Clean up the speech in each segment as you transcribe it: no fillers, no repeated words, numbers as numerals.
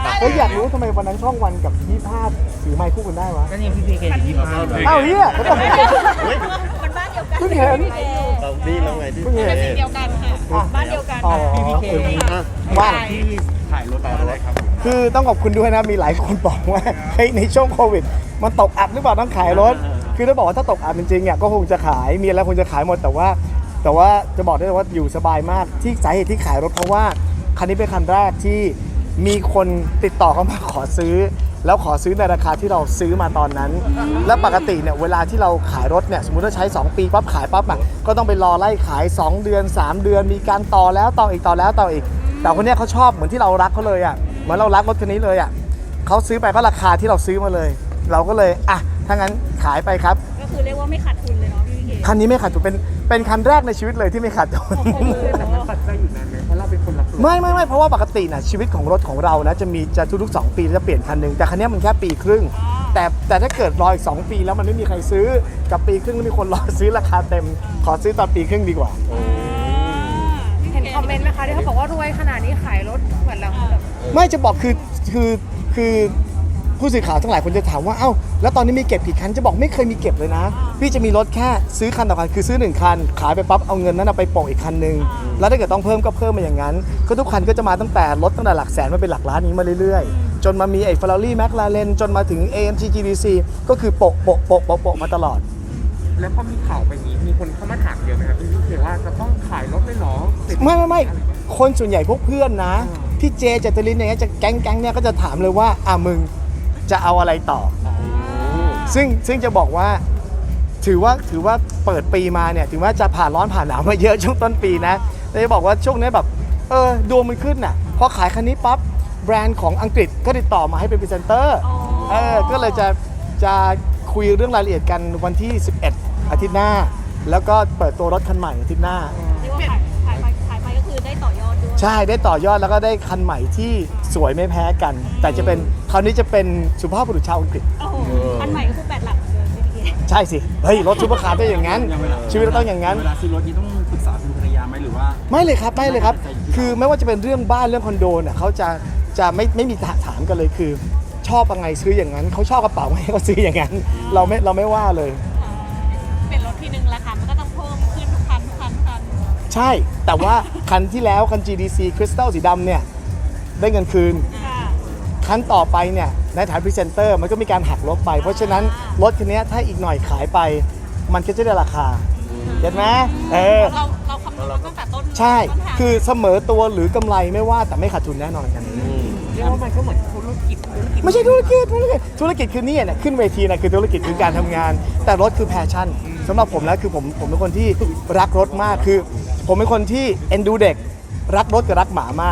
อยากรู้ทำไมวันนั้นช่องวันกับ25ถือไมค์คู่กันได้วะก็นี่พี่พีเคอยู่25 อ้าวเฮียเขาต้องคนบ้านเดียวกันเพิ่งเห็นเราดีแล้วไงที่เพิ่งเห็นเป็นสิ่งเดียวกันค่ะบ้านเดียวกันอ๋อพี่พีเคว่าที่ถ่ายรถอะไรครับคือต้องขอบคุณด้วยนะมีหลายคนบอกว่าเฮ้ยในช่วงโควิดมันตกอับหรือเปล่าต้องขายรถคือถ้าบอกว่าถ้าตกอับจริงๆอ่ะก็คงจะขายมีอะไรคงจะขายหมดแต่ว่าจะบอกได้เลยว่าอยู่สบายมากที่สาเหตุที่ขายรถเพราะว่าคันนี้เป็นคันแรกที่มีคนติดต่อเข้ามาขอซื้อ แล้วขอซื้อในราคาที่เราซื้อมาตอนนั้น และปกติเนี่ยเวลาที่เราขายรถเนี่ยสมมุติว่าใช้ 2 ปีปั๊บขายปั๊บอ่ะก็ต้องไปรอไล่ขาย 2 เดือน 3 เดือนมีการต่อแล้วต่ออีกต่อแล้วต่ออีก แต่คนเนี้ยเขาชอบเหมือนที่เรารักเขาเลยอ่ะเหมือนเรารักรถคันนี้เลยอ่ะเขาซื้อไปก็ราคาที่เราซื้อมาเลย เราก็เลยอ่ะถ้างั้นขายไปครับก็คือเรียกว่าไม่ขาดทุนเลยเนาะพี่พีเคคันนี้ไม่ขาดทุนเป็นคันแรกในชีวิตเลยที่ไม่ขาดทุนแต่มันปัดใจอยู่นานไหมเพราะเราเป็นคนรับรถไม่เพราะว่าปกตินะชีวิตของรถของเรานะจะทุกๆ2 ปีจะเปลี่ยนคันหนึ่งแต่คันนี้มันแค่ปีครึ่งแต่ถ้าเกิดรออีก2 ปีแล้วมันไม่มีใครซื้อกับปีครึ่งแล้วมีคนรอซื้อราคาเต็มขอซื้อตอนปีครึ่งดีกว่าเห็นคอมเมนต์ไหมคะที่เขาบอกว่ารวยขนาดนี้ขายรถเหมือนเราแบบไม่จะบอกคือผู้สื่อข่าวทั้งหลายคนจะถามว่าเอ้าแล้วตอนนี้มีเก็บกี่คันจะบอกไม่เคยมีเก็บเลยนะพี่จะมีรถแค่ซื้อคันต่อคันคือซื้อ1คันขายไปปั๊บเอาเงินนั้นนะไปโปะอีกคันนึงแล้วถ้าเกิดต้องเพิ่มก็เพิ่มมาอย่างนั้นก็ทุกคันก็จะมาตั้งแต่หลักแสนมาเป็นหลักล้านนี้มาเรื่อยๆจนมามีไอ้ Ferrari McLaren จนมาถึง AMG GDC ก็คือโปะมาตลอดแล้วพอมีข่าวไปนี้มีคนเข้ามาถามเยอะไหมครับพี่พีเคว่าจะต้องขายรถเลยเหรอไม่คนส่วนใหญ่พวกเพื่อนนะพี่เจเจตลินอย่างเงี้ยจะแก๊งเนี่ยก็จะถามเลยว่ามึงจะเอาอะไรต่อซึ่งจะบอกว่าถือว่าเปิดปีมาเนี่ยถึงว่าจะผ่านร้อนผ่านหนาวมาเยอะช่วงต้นปีนะแต่จะบอกว่าช่วงนี้แบบดวงมันขึ้นน่ะพอขายคันนี้ปั๊บแบรนด์ของอังกฤษก็ติดต่อมาให้เป็นพรีเซนเตอร์ก็เลยจะคุยเรื่องรายละเอียดกันวันที่11อาทิตย์หน้าแล้วก็เปิดตัวรถคันใหม่อาทิตย์หน้าเรียกว่าขายไปก็คือได้ต่อยอดด้วยใช่ได้ต่อยอดแล้วก็ได้คันใหม่ที่สวยไม่แพ้กัน แต่จะเป็นคราวนี้จะเป็นสุภาพบุรุษชาวอังกฤษโอ้โหอันใหม่ก็คือ8 หลักเลยพี่พีเคใช่สิเฮ้ยรถซุปเปอร์คาร์ต้องอย่างนั้นชีวิตเราต้องอย่างนั้นเวลาซื้อรถนี้ต้องปรึกษาคุณภรรยาไหมหรือว่าไม่เลยครับคือไม่ว่าจะเป็นเรื่องบ้านเรื่องคอนโดเนี่ยเขาจะไม่มีถามกันเลยคือ ชอบยังไงซื้ออย่างนั้นเขาชอบกระเป๋าไงก็ซื้ออย่างนั้นเราไม่ว่าเลยเป็นรถที่หนึ่งราคามันก็ต้องเพิ่มขึ้นทุกคันใช่แต่ว่าคันที่แล้วคัน GDC Crystal สีดำเนี่ยได้เงินคืนค่ะคันต่อไปเนี่ยในฐานพรีเซนเตอร์มันก็มีการหักลบไป เพราะฉะนั้นรถคันนี้ถ้าอีกหน่อยขายไป มันก็จะได้ราคาเห็นไหมเราคำนวณตั้งแต่ต้นใช่ต้นทางคือเสมอตัวหรือกำไรไม่ว่าแต่ไม่ขาดทุนแน่นอนกันเรียกว่ามันก็เหมือนธุรกิจไม่ใช่ธุรกิจคือนี่เนี่ยขึ้นเวทีนะคือธุรกิจคือการทำงาน แต่รถคือแพชชั่นสำหรับผมแล้วคือผมเป็นคนที่รักรถมากคือผมเป็นคนที่เอ็นดูเด็กรักรถกับรักหมามาก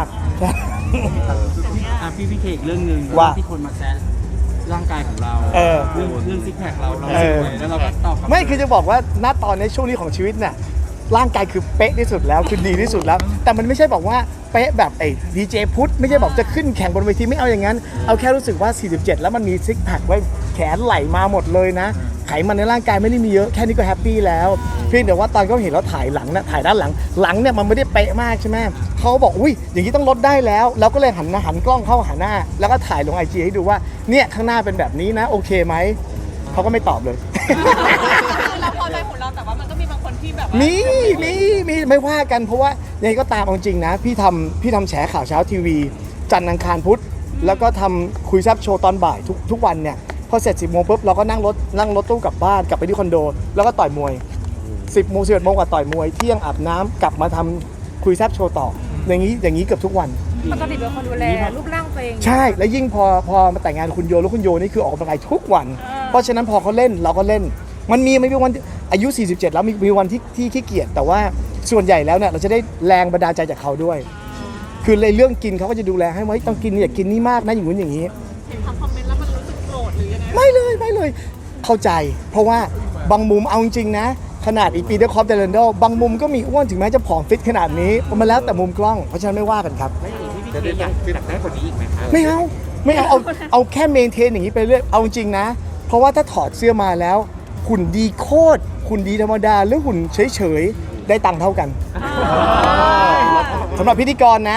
พี่พีเคอีกเรื่องหนึ่งว่าที่คนมาแซะร่างกายของเรา เรื่องซิกแพคเราสวยแล้วเราก็ตอบไม่คือจะบอกว่าณตอนในช่วงนี้ของชีวิตเนี่ยร่างกายคือเป๊ะที่สุดแล้วคือดีที่สุดแล้ว แต่มันไม่ใช่บอกว่าเป๊ะแบบไอ้ดีเจพุทธไม่ใช่บอกจะขึ้นแข่งบนเวทีไม่เอาอย่างนั้นเอาแค่รู้สึกว่า 47 แล้วมันมีซิกแพคไว้แขนไหล่มาหมดเลยนะไขมันในร่างกายไม่ได้มีเยอะแค่นี้ก็แฮปปี้แล้วเพียงแต่ว่าตอนเขาเห็นเราถ่ายหลังนะถ่ายด้านหลังเนี่ยมันไม่ได้เป๊ะมากใช่ไหมเขาบอกอุ้ยอย่างนี้ต้องลดได้แล้วเราก็เลยหันกล้องเข้าหาหน้าแล้วก็ถ่ายลง IG ให้ดูว่าเนี่ยข้างหน้าเป็นแบบนี้นะโอเคไหมเขาก็ไม่ตอบเลยเราพอใจของเราแต่ว่ามันก็มีบางคนที่แบบว่ามีไม่ว่ากันเพราะว่ายังไงก็ตามเอาจริงนะพี่ทำแฉข่าวเช้าทีวีจันทร์อังคารพุธแล้วก็ทำคุยแซ่บโชว์ตอนบ่ายทุกวันเนี่ยพอเสร็จ 10 โมงปุ๊บเราก็นั่งรถตู้กลับบ้านกลับไปที่คอนโดแล้วก็ต่อยมวย 10 โมง 11 โมงกว่าต่อยมวยเที่ยงอาบน้ำกลับมาทำคุยแซ่บโชว์ต่ออย่างนี้เกือบทุกวันปกติเป็นคนดูแลรูปร่างตัวเองใช่แล้วยิ่งพอมาแต่งงานคุณโยแล้วคุณโยนี่คือออกกำลังกายทุกวัน เพราะฉะนั้นพอเขาเล่นเราก็เล่นมันมีวันอายุ 47 แล้วมีวันที่ขี้เกียจแต่ว่าส่วนใหญ่แล้วเนี่ยเราจะได้แรงบันดาลใจจากเขาด้วย คือเลยเรื่องกินเขาก็จะดูแลให้ว่าต้องกินอย่ากินนี่มากนะอย่างนู้นอย่างนี้เห็นคอมเมนต์แล้วมันรู้สึกโกรธหรือยังไงไม่เลยเข้าใจ เพราะว่าบางมุมเอาจริงๆนะขนาดอีปีเตอร์คอปเดลันโดบางมุมก็มีอ้วนถึงแม้จะผอมฟิตขนาดนี้มันแล้วแต่มุมกล้องเพราะฉะนั้นไม่ว่ากันครับไม่อย่างที่พี่เคอยากได้กว่านี้อีกไหมครับไม่เอาแค่เมนเทนอย่างนี้ไปเรื่อยเอาจริงนะเพราะว่าถ้าถอดเสื้อมาแล้วหุ่นดีโคตรหุ่นดีธรรมดาหรือหุ่นเฉยๆได้ตังค์เท่ากันสำหรับพิธีกรนะ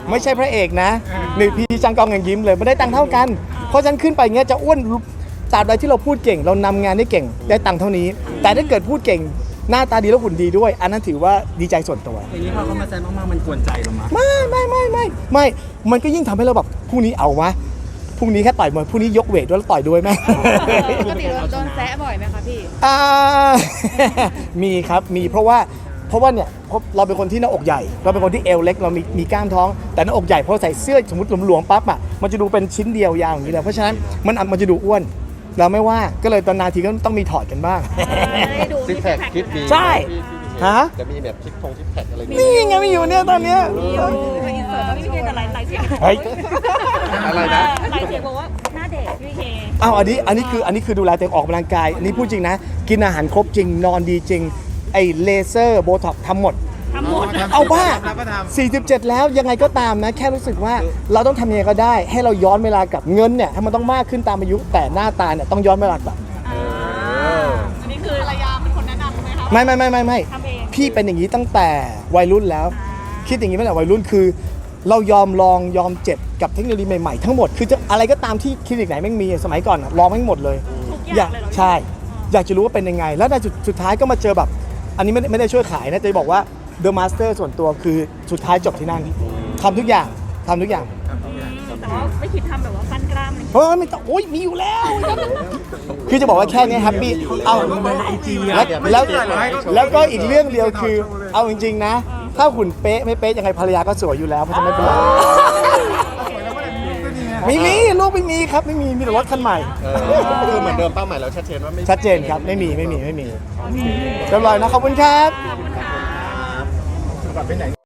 ไม่ใช่พระเอกนะนี่พี่จังกองยังยิ้มเลยไม่ได้ตังค์เท่ากัน เพราะฉะนันขึ้นไปเงี้ยจะอ้วนตราบใดที่เราพูดเก่ง เรานำงานได้เก่งได้ตังค์เท่านี้ แต่ถ้าเกิดพูดเก่งหน้าตาดีแล้วหุ่นดีด้วย อันนั้นถือว่าดีใจส่วนตัวอย่างนี้พอเขามาแซนมากๆมันกวนใจเรามั้ยไม่มันก็ยิ่งทำให้เราแบบพรุ่งนี้เอาวะพรุ่งนี้แค่ต่อยมวยพรุ่งนี้ยกเวทด้วยแล้วต่อยด้วยไหมปกติโดนแซะบ่อยไหมคะพี่อ่า มีครับมีเพราะว่าเนี่ยเราเป็นคนที่หน้าอกใหญ่ เราเป็นคนที่เอวเล็กเรามีกล้ามท้องแต่หน้าอกใหญ่พอใส่เสื้อสมมติหลวมๆปั๊บอ่ะมันจะดูเป็นชิ้นเดียวยาวอย่างนี้เลยเพราะฉะนั้นมันจะดูอ้วนเราไม่ว่าก็เลยตอนนาทีก็ต้องมีถอดกันบ้างซิกแพคคิดมีใช่ ฮะจะมีแบบซิกแพคอะไรอย่างนี่เงี้ยไงไม่อยู่เนี่ยตอนเนี้ยอินเสิร์ตพี่เคแต่หลายเสียงเฮ้ยอะไรนะหลายเสียงบอกว่าหน้าเด็กพี่เคอ้าวอันนี้คือดูแลตัวเองออกกำลังกายอันนี้พูดจริงนะ กินอาหารครบจริงนอนดีจริงไอ้เลเซอร์โบท็อกทำหมดทำหมดเอาบ้า47 แล้วยังไงก็ตามนะ แค่รู้สึกว่าเราต้องทำยังไงก็ได้ ให้เราย้อนเวลากลับเงินเนี่ยให้มันต้องมากขึ้นตามอายุแต่หน้าตาเนี่ยต้องย้อนเวลากลับอันนี้คือภรรยาเป็นคนแนะนำไหมคะไม่ทำเองพี่เป็นอย่างนี้ตั้งแต่วัยรุ่นแล้ว คิดอย่างนี้ตั้งแต่วัยรุ่นคือ เรายอมลองยอมเจ็บกับเทคโนโลยีใหม่ๆทั้งหมดคือจะอะไรก็ตามที่คลินิกไหนแม่งมีสมัยก่อนอะลองแม่งหมดเลยทุกอย่างเลยเหรอใช่ อยากจะรู้ว่าเป็นยังไง แล้วในสุดท้ายก็มาเจอแบบ อันนี้ไม่ได้ช่วยขายนะจะบอกว่า The Master ส่วนตัวคือสุดท้ายจบที่นั่นทำทุกอย่างแต่ว่าไม่คิดทำแบบว่าปั้นกล้ามเลยเฮ้ยไม่ต้องโอ้ยมีอยู่แล้ว คือจะบอกว่าแค่นี้แฮปปี้เอาแล้วก็อีกเรื่องเดียวคือ เอาจริงๆนะ ถ้าหุ่นเป๊ะไม่เป๊ะยังไงภรรยาก็สวยอยู่แล้วเพราะฉะนั้นไม่เป็นไรไม่มีลูกไม่มีครับไม่มีแต่รถคันใหม่คือเหมือนเดิมเป้าหมายเราชัดเจนว่าไม่ชัดเจนครับไม่มีเรียบร้อยนะขอบคุณครับ